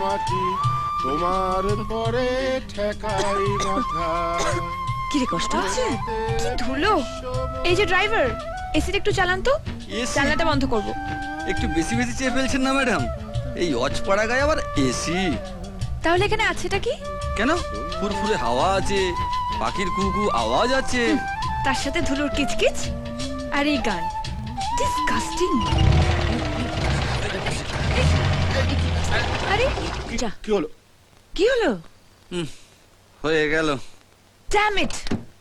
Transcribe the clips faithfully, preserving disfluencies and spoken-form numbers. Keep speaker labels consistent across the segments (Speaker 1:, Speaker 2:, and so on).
Speaker 1: মাটি তোমার পরে ঠেকাই মাথা।
Speaker 2: কি রে, কষ্ট হচ্ছে? কি ধুলো! এই যে ড্রাইভার, এসিটা একটু চালান তো।
Speaker 3: এসি?
Speaker 2: জানলাটা বন্ধ করব।
Speaker 3: একটু বেশি বেশি চেয়ে ফেলছেন না ম্যাডাম? এই অজপাড়া গায়ে আবার এসি?
Speaker 2: তাহলে এখানে আছেটা কি?
Speaker 3: কেন, ফুরফুরে হাওয়া আছে, পাখির কুকু আওয়াজ আছে,
Speaker 2: তার সাথে ধুলোর কিচকিচ আর এই গান। ডিসকাস্টিং। আরে যা,
Speaker 1: কি হলো?
Speaker 2: কি হলো?
Speaker 3: হুম, হয়ে গেল।
Speaker 2: Damn it!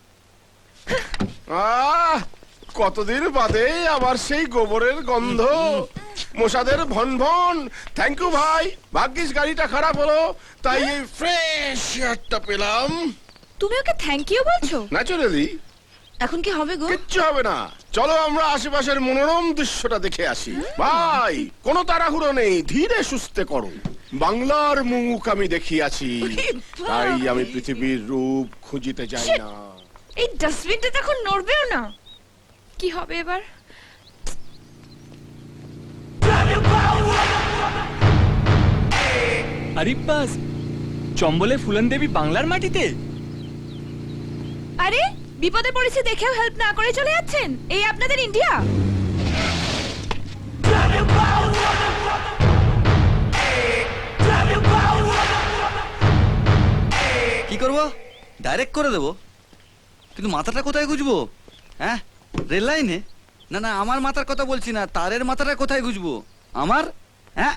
Speaker 1: আহ, কতদিন বাদে আবার সেই গোবরের গন্ধ, মশাদের ভন ভন। থ্যাংক ইউ ভাই, ভাগ্যিস গাড়িটা খারাপ হলো, তাই এই ফ্রেশ এয়ারটা পেলাম।
Speaker 2: তুমি ওকে থ্যাংক ইউ বলছো?
Speaker 1: ন্যাচুরালি।
Speaker 2: এখন কি হবে গো?
Speaker 1: কিচ্ছু হবে না, চলো আমরা আশেপাশের মনোরম দৃশ্যটা দেখে আসি। ভাই, কোনো তাড়াহুড়ো নেই, ধীরে সুস্থে করো। বাংলার মুখ আমি দেখিয়াছি, তাই আমি পৃথিবীর রূপ খুঁজিতে যাই
Speaker 2: Shit!
Speaker 1: না।
Speaker 2: এই ডাস্টবিনটা তখন নড়বেও না। কি হবে এবার?
Speaker 4: আরিব্বাস, চম্বলে ফুলন দেবী বাংলার মাটিতে?
Speaker 2: আরে বিপদে পড়েছে দেখেও হেল্প না করে চলে যাচ্ছেন। এই আপনাদের ইন্ডিয়া?
Speaker 3: কি করবো? ডাইরেক্ট করে দেবো, কিন্তু মাথাটা কোথায় গুজবো? হ্যাঁ, রেল লাইনে? না না, আমার মাথার কথা বলছি না, তারের মাথাটা কোথায় গুজবো আমার? হ্যাঁ,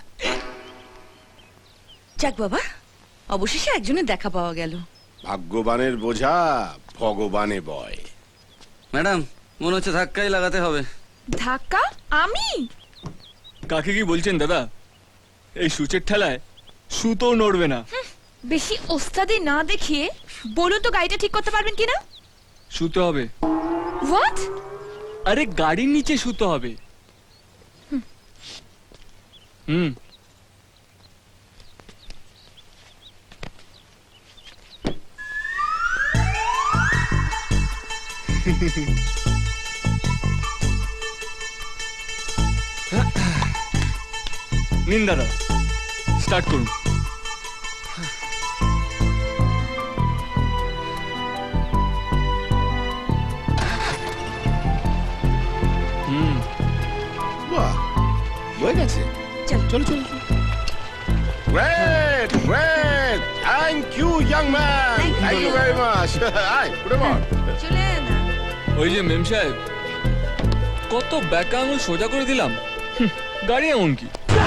Speaker 5: যাক বাবা, অবশেষে একজনের দেখা পাওয়া গেল।
Speaker 1: ভাগ্যবানের বোঝা ভগবানে বয়।
Speaker 3: ম্যাডাম মনে হচ্ছে ধাক্কাই লাগাতে হবে।
Speaker 2: ধাক্কা? আমি?
Speaker 4: কাকে কি বলছেন দাদা? এই সূচের ঠেলায় সুতো নড়বে না।
Speaker 2: বেশি ওস্তাদি না দেখিয়ে বলুন তো গাড়িটা ঠিক করতে পারবেন কিনা?
Speaker 4: শুতে হবে।
Speaker 2: হোয়াট?
Speaker 4: আরে গাড়ির নিচে শুতে হবে। হুম। নিন দাদা, স্টার্ট করুন। হুম।
Speaker 1: বাহ, হয়ে গেছে।
Speaker 5: চল।
Speaker 1: চলো চলো। Great great, thank you young man, thank you very much. আই উঠে পড়।
Speaker 5: চলে না।
Speaker 4: ওই যে মেম সাহেব, কত ব্যাকা আঙুল সোজা করে দিলাম। হুম, গাড়ি এমন কি?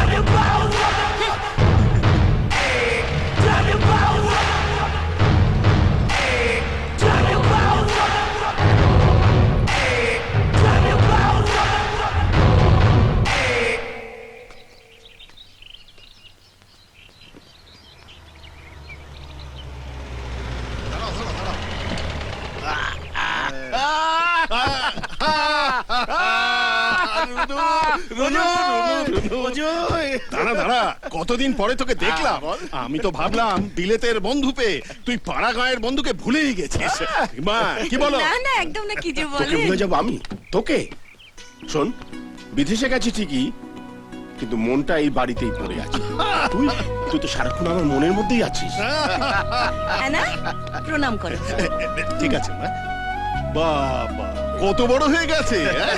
Speaker 6: দাঁড়া দাঁড়া, কতদিন পরে তোকে দেখলাম। আমি তো ভাবলাম বিলেতের বন্ধু পেয়ে তুই পাড়া গাঁয়ের বন্ধুকে ভুলেই গেছিস। মা কি বলো?
Speaker 5: না না, একদম না, কি যে
Speaker 1: তোকে
Speaker 5: বলে।
Speaker 1: ভুলে যাবো আমি? তোকে? শোন, বিদেশে গেছি ঠিকই, কিন্তু মনটা এই বাড়িতেই পড়ে আছে। তুই তুই তো সারাক্ষণ আমার মনের মধ্যেই আছিস।
Speaker 5: না, প্রণাম করো।
Speaker 6: ঠিক আছে মা। বাবা কত বড় হয়ে গেছে। হ্যাঁ?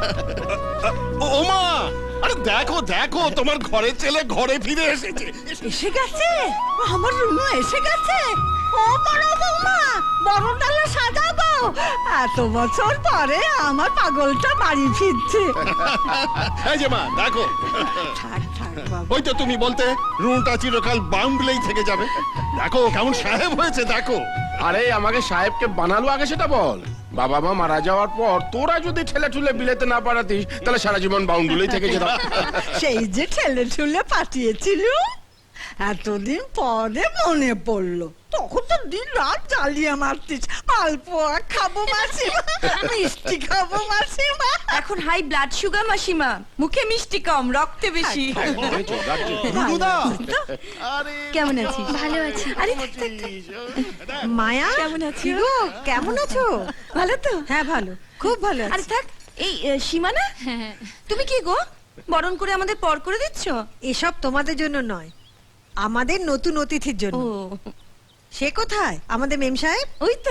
Speaker 6: ও ও মা, আরে দেখো দেখো, তোমার ঘরের ছেলে ঘরে ফিরে এসেছে।
Speaker 5: এসে গেছে আমার রুনু, এসে গেছে। ও বড় বৌমা, বড় ডালা সাজাবো। এত বছর পরে আমার পাগলটা বাড়ি ফিরছে।
Speaker 6: এই যে মা দেখো,
Speaker 5: থাক থাক বাবা।
Speaker 6: ওই তো তুমি বলতে রুনটা চিরকাল বাউন্ডলেই থেকে যাবে। দেখো কেমন সাহেব হয়েছে দেখো।
Speaker 1: আরে আমাকে সাহেবকে বানালো আগে সেটা বল। বাবা মা মারা যাওয়ার পর তোরা যদি ঠেলে ঠুলে বিলেতে না পাঠাতিস, তাহলে সারা জীবন বাউন্ডুলেই থেকে যেতাম।
Speaker 7: সেই যে ঠেলে ঠুলে পাঠিয়েছিল, এতদিন পরে মনে পড়লো। তখন তো দিন রাত জ্বালিয়ে মারতিস। মালপোয়া খাবো মাসিমা, মিষ্টি খাবো মাসিমা।
Speaker 5: এখন হাই ব্লাড সুগার মাসিমা, মুখে মিষ্টি কম, রক্তে বেশি।
Speaker 6: রুনুদা,
Speaker 5: কেমন আছিস?
Speaker 2: ভালো আছি।
Speaker 5: আরে থাক, থাক, থাক।
Speaker 7: মায়া
Speaker 5: কেমন আছো?
Speaker 7: কি গো, কেমন আছো?
Speaker 5: ভালো তো?
Speaker 7: হ্যাঁ ভালো, খুব ভালো
Speaker 5: আরে
Speaker 7: আছি।
Speaker 5: থাক, এই আহ, সীমানা, তুমি কি গো বরণ করে আমাদের পর করে দিচ্ছ?
Speaker 7: এসব তোমাদের জন্য নয়, আমাদের নতুন অতিথির জন্য।
Speaker 2: ও
Speaker 7: সে কোথায় আমাদের মেম সাহেব?
Speaker 2: ওই তো।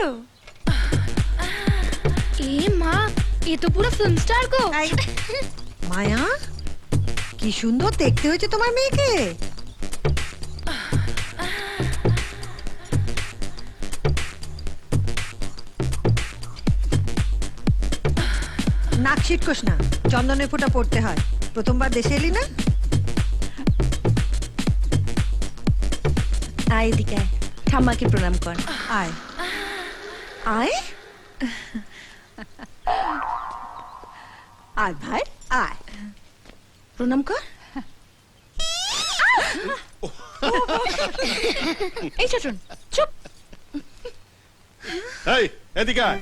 Speaker 2: এ মা, এ তো পুরো ফিল্ম স্টার গো।
Speaker 7: এই, মায়া কি সুন্দর দেখতে হয়েছে তোমার মেয়েকে। নাক ছিটকোস না, চন্দনের ফোঁটা পড়তে হয়। প্রথমবার দেশে এলি না?
Speaker 2: আয় এদিকে আয়, ঠাম্মাকে প্রণাম কর।
Speaker 7: আয়
Speaker 2: আয়।
Speaker 7: আয় ভাই আয়।
Speaker 2: প্রণাম কর। এই চটন চুপ।
Speaker 6: এই এদিকে আয়।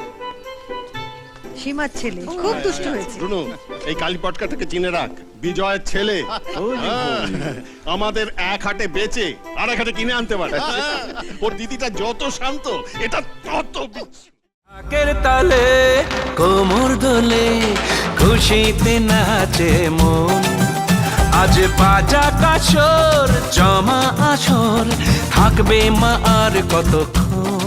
Speaker 7: সীমার ছেলে খুব দুষ্ট হয়েছে।
Speaker 6: রুনু, এই কালী পটকাটাকে চিনে রাখ, বিজয়ের ছেলে। হ্যাঁ, আমাদের এক হাটে বেচে আর এক হাটে কিনে আনতে পারে। ওর দিদিটা যত শান্ত, এটা তত বিচ্ছু।
Speaker 8: ঢাকের তালে কোমর দোলে খুশিতে নাচে মন, আজ বাজা কাসর জমা আসর থাকবে মা আর কতক্ষণ।